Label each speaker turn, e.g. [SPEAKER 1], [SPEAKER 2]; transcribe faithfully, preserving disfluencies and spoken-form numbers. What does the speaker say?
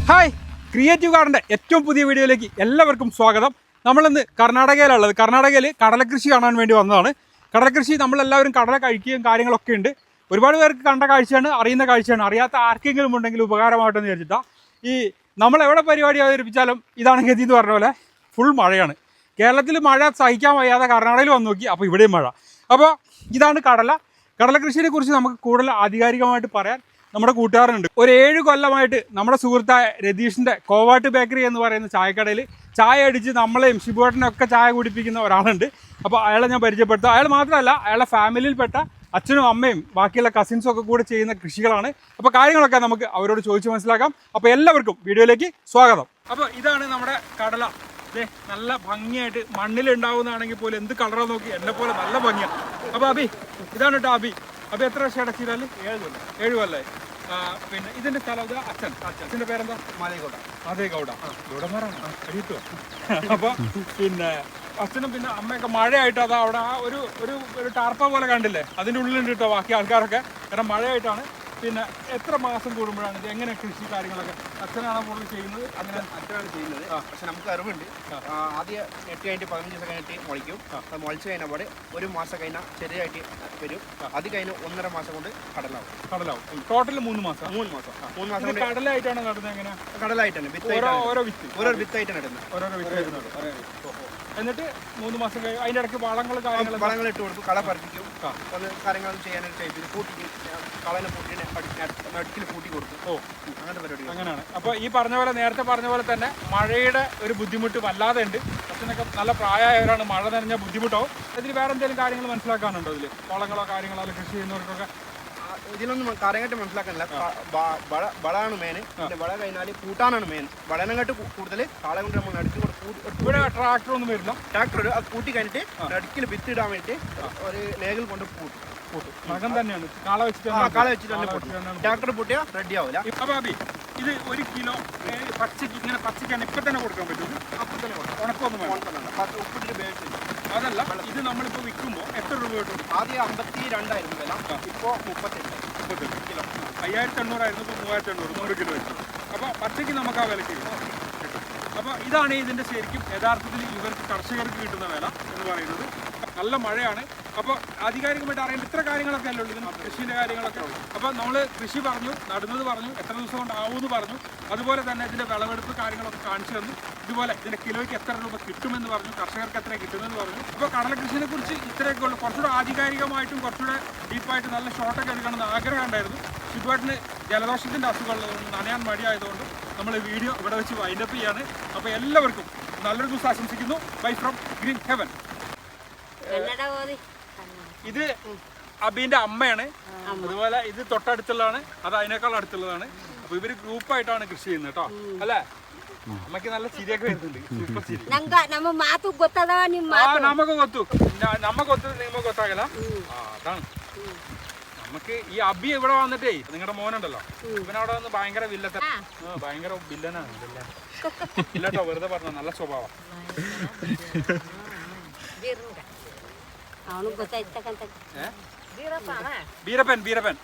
[SPEAKER 1] Hi, creative ഗാർഡൻ്റെ ഏറ്റവും പുതിയ വീഡിയോയിലേക്ക് എല്ലാവർക്കും സ്വാഗതം. നമ്മളിന്ന് കർണാടകയിലുള്ളത്. കർണാടകയിൽ കടലക്കൃഷി കാണാൻ വേണ്ടി വന്നതാണ്. കടലക്കൃഷി നമ്മളെല്ലാവരും കടല കഴിക്കുകയും കാര്യങ്ങളൊക്കെ ഉണ്ട്. ഒരുപാട് പേർക്ക് കണ്ട കാഴ്ചയാണ്, അറിയുന്ന കാഴ്ചയാണ്. അറിയാത്ത ആർക്കെങ്കിലും ഉണ്ടെങ്കിൽ ഉപകാരമായിട്ടെന്ന് വിചാരിച്ചിട്ടാണ്. ഈ നമ്മളെവിടെ പരിപാടി അവതരിപ്പിച്ചാലും ഇതാണ് ഗതി എന്ന് പറഞ്ഞ പോലെ ഫുൾ മഴയാണ്. കേരളത്തിൽ മഴ സഹിക്കാൻ വയ്യാതെ കർണാടകയിൽ വന്ന് നോക്കി, അപ്പോൾ ഇവിടെയും മഴ. അപ്പോൾ ഇതാണ് കടല. കടലക്കൃഷിയെ കുറിച്ച് നമുക്ക് കൂടുതൽ ആധികാരികമായിട്ട് പറയാൻ നമ്മുടെ കൂട്ടുകാരനുണ്ട്. ഒരു ഏഴ് കൊല്ലമായിട്ട് നമ്മുടെ സുഹൃത്തായ രതീഷിൻ്റെ കോവാട്ട് ബേക്കറി എന്ന് പറയുന്ന ചായക്കടയിൽ ചായ അടിച്ച് നമ്മളെയും ഷിബുവേട്ടനൊക്കെ ചായ കുടിപ്പിക്കുന്ന ഒരാളുണ്ട്. അപ്പോൾ അയാളെ ഞാൻ പരിചയപ്പെടുത്തുക. അയാൾ മാത്രമല്ല, അയാളുടെ ഫാമിലിയിൽപ്പെട്ട അച്ഛനും അമ്മയും ബാക്കിയുള്ള കസിൻസും ഒക്കെ കൂടെ ചെയ്യുന്ന കൃഷികളാണ്. അപ്പോൾ കാര്യങ്ങളൊക്കെ നമുക്ക് അവരോട് ചോദിച്ച് മനസ്സിലാക്കാം. അപ്പോൾ എല്ലാവർക്കും വീഡിയോയിലേക്ക് സ്വാഗതം. അപ്പോൾ ഇതാണ് നമ്മുടെ കടല. അതെ, നല്ല ഭംഗിയായിട്ട് മണ്ണിലുണ്ടാവുന്നതാണെങ്കിൽ പോലും എന്ത് കളറാ നോക്കി, എന്നെ പോലെ നല്ല ഭംഗിയാണ്. അപ്പോൾ അബി, ഇതാണ് കേട്ടോ അബി. അപ്പോൾ എത്ര വർഷം അടച്ചിട്ടാൽ? ഏഴ് കൊല്ലം ഏഴ് കൊല്ലേ. പിന്നെ ഇതിന്റെ സ്ഥലം ഇത് അച്ഛൻ അച്ഛൻ്റെ പേരെന്താ? മാതേഗൗഡ. മാതേഗൗഡ ഗൗഡന്മാരാണ് അറിയത്തോ. അപ്പോൾ പിന്നെ അച്ഛനും പിന്നെ അമ്മയൊക്കെ മഴയായിട്ട് അതാ അവിടെ ആ ഒരു ഒരു ഒരു ടാർപ്പ പോലെ കണ്ടില്ലേ, അതിൻ്റെ ഉള്ളിലുണ്ട് കേട്ടോ ബാക്കി ആൾക്കാരൊക്കെ. കാരണം മഴയായിട്ടാണ്. പിന്നെ എത്ര മാസം കൂടുമ്പോഴാണ് ഇത്, എങ്ങനെ കൃഷി കാര്യങ്ങളൊക്കെ അച്ഛനാണ് കൂടുതൽ ചെയ്യുന്നത്? അങ്ങനെ
[SPEAKER 2] അച്ഛനാണ് ചെയ്യുന്നത്. പക്ഷെ നമുക്ക് അറിവുണ്ട്. ആദ്യം നെറ്റ് കഴിഞ്ഞിട്ട് പതിനഞ്ച് ദിവസം കഴിഞ്ഞിട്ട് മുളയ്ക്കും. അത് മുളച്ച് കഴിഞ്ഞ പാടെ ഒരു മാസം കഴിഞ്ഞാൽ ചെറിയായിട്ട് വരും. അത് കഴിഞ്ഞ് ഒന്നര മാസം കൊണ്ട് കടലാവും.
[SPEAKER 1] കടലാവും ടോട്ടൽ മൂന്ന് മാസം
[SPEAKER 2] മൂന്ന് മാസം മൂന്ന് മാസം കൊണ്ട്
[SPEAKER 1] കടലായിട്ടാണ് നടുന്നത്. എങ്ങനെ?
[SPEAKER 2] കടലായിട്ടാണ് വിത്ത്
[SPEAKER 1] ഓരോ വിത്ത്
[SPEAKER 2] ഓരോ വിത്തായിട്ടാണ് ഇടുന്നത്.
[SPEAKER 1] ഓരോരോ വിത്തായിട്ട് നടും. എന്നിട്ട് മൂന്ന് മാസം കഴിഞ്ഞ് അതിൻ്റെ ഇടയ്ക്ക് വളങ്ങൾ കാര്യങ്ങൾ
[SPEAKER 2] വളങ്ങൾ ഇട്ട് കൊടുക്കും. കള പറിപ്പിക്കും. ഒന്ന് കാര്യങ്ങളൊന്നും ചെയ്യാനായിട്ട് ടൈപ്പിൽ കൂട്ടി കളനെ കൂട്ടിയിട്ട് നടുക്കിൽ കൂട്ടി കൊടുക്കും. ഓ, അങ്ങനത്തെ പരിപാടി. അങ്ങനെയാണ്. അപ്പോൾ ഈ പറഞ്ഞ പോലെ നേരത്തെ പറഞ്ഞ പോലെ തന്നെ മഴയുടെ ഒരു ബുദ്ധിമുട്ട് വല്ലാതെ ഉണ്ട്. അച്ഛനൊക്കെ നല്ല പ്രായമായവരാണ്. മഴ നനഞ്ഞ ബുദ്ധിമുട്ടാവും. ഇതിൽ വേറെ എന്തെങ്കിലും കാര്യങ്ങൾ മനസ്സിലാക്കാനുണ്ടോ? ഇതിൽ വളങ്ങളോ കാര്യങ്ങളോ അല്ല കൃഷി ചെയ്യുന്നവർക്കൊക്കെ ഇതിലൊന്നും കാര്യമായിട്ട് മനസ്സിലാക്കാനില്ല. വളമാണ് മെയിൻ. പിന്നെ വള കഴിഞ്ഞാൽ കൂട്ടാനാണ് മെയിൻ. വളനെക്കാട്ട് കൂടുതൽ കാളെ കൊണ്ട് നമ്മൾ നടുക്കി
[SPEAKER 1] ഇവിടെ ട്രാക്ടർ ഒന്നും വരില്ല.
[SPEAKER 2] ട്രാക്ടർ അത് കൂട്ടി കഴിഞ്ഞിട്ട് നടുക്കിൽ വിത്തിടാൻ വേണ്ടി ഒരു ലേഗിൽ കൊണ്ട് കൂട്ടും.
[SPEAKER 1] നഖം തന്നെയാണ് കാള വെച്ചിട്ട്
[SPEAKER 2] കാള വെച്ചിട്ട് തന്നെ കൂട്ടും. ട്രാക്ടർ പൂട്ടിയാൽ റെഡി ആവില്ല.
[SPEAKER 1] അപ്പോൾ അബി, ഇത് ഒരു കിലോ പച്ചക്ക് ഇങ്ങനെ പച്ചക്കാണ് ഇപ്പം തന്നെ കൊടുക്കാൻ പറ്റും?
[SPEAKER 2] അപ്പം തന്നെ കൊടുക്കും.
[SPEAKER 1] ഉണക്കൊന്നും വേണം.
[SPEAKER 2] ഉപ്പിട്ട് ബേസ്
[SPEAKER 1] അതല്ല, ഇത് നമ്മളിപ്പോൾ വിൽക്കുമ്പോൾ എത്ര രൂപ കിട്ടും?
[SPEAKER 2] ആദ്യം അമ്പത്തി രണ്ടായിരം വില, ഇപ്പോൾ മുപ്പത്തെട്ട്
[SPEAKER 1] മുപ്പത്തെട്ട് കിലോ. അയ്യായിരത്തി എണ്ണൂറായിരുന്നു, ഇപ്പോൾ മൂവായിരത്തി എണ്ണൂറ് നൂറ് കിലോ വെച്ചു. അപ്പോൾ പച്ചയ്ക്ക് നമുക്ക് ആ വിലക്ക് കിട്ടും. അപ്പോൾ ഇതാണ് ഇതിൻ്റെ ശരിക്കും യഥാർത്ഥത്തിൽ ഇവർക്ക് കർഷകർക്ക് കിട്ടുന്ന വില എന്ന് പറയുന്നത്. നല്ല മഴയാണ്. അപ്പോൾ ആധികാരികമായിട്ട് അറിയേണ്ട ഇത്ര കാര്യങ്ങളൊക്കെ അല്ലേ ഉള്ളൂ, ഇതിന് കൃഷിൻ്റെ കാര്യങ്ങളൊക്കെ. അപ്പോൾ നമ്മൾ കൃഷി പറഞ്ഞു, നടുന്നത് പറഞ്ഞു, എത്ര ദിവസം കൊണ്ടാവുമെന്ന് പറഞ്ഞു. അതുപോലെ തന്നെ ഇതിൻ്റെ വിളവെടുപ്പ് കാര്യങ്ങളൊക്കെ കാണിച്ചു തന്നു. ഇതുപോലെ ഇതിൻ്റെ കിലോയ്ക്ക് എത്ര രൂപ കിട്ടുമെന്ന് പറഞ്ഞു, കർഷകർക്ക് എത്ര കിട്ടുമെന്ന് പറഞ്ഞു. അപ്പോൾ കടല കൃഷിയെ കുറിച്ച് ഇത്രയൊക്കെ ഉള്ളൂ. കുറച്ചുകൂടെ ആധികാരികമായിട്ടും കുറച്ചുകൂടെ ഡീപ്പായിട്ട് നല്ല ഷോട്ടൊക്കെ എടുക്കണമെന്ന് ആഗ്രഹം ഉണ്ടായിരുന്നു. ഷിബുവേട്ടന് ജലദോഷത്തിൻ്റെ അസുഖമുള്ളതുകൊണ്ട് നനയാൻ മടിയായതുകൊണ്ട് നമ്മൾ വീഡിയോ ഇവിടെ വെച്ച് വൈൻഡപ്പ് ചെയ്യാണ്. അപ്പോൾ എല്ലാവർക്കും നല്ലൊരു ദിവസം ആശംസിക്കുന്നു. Bye from green heaven. ഇത് അബീന്റെ അമ്മയാണ്. അതുപോലെ ഇത് തൊട്ടടുത്തുള്ളതാണ്, അത് അതിനേക്കാൾ അടുത്തുള്ളതാണ്. അപ്പൊ ഇവര് ഗ്രൂപ്പായിട്ടാണ് കൃഷി ചെയ്യുന്നത് കേട്ടോ. അല്ലേ? അമ്മക്ക് നല്ല ചിരിയൊക്കെ വരുന്നുണ്ട്. സൂപ്പർ ചിരി. നമുക്ക് കൊത്തു നമ്മ കൊത്തു നിങ്ങ കൊത്താകല. അതാണ് നമുക്ക് ഈ അബി ഇവിടെ വന്നിട്ടേ, നിങ്ങളുടെ മോനുണ്ടല്ലോ, ഇവനവിടെ വന്ന് ഭയങ്കര വില്ലത്ത ഭയങ്കര വില്ലനാണ്. ഇല്ലട്ടോ, വെറുതെ പറഞ്ഞ നല്ല സ്വഭാവം. ബീരപ്പൻ ബീരപ്പൻ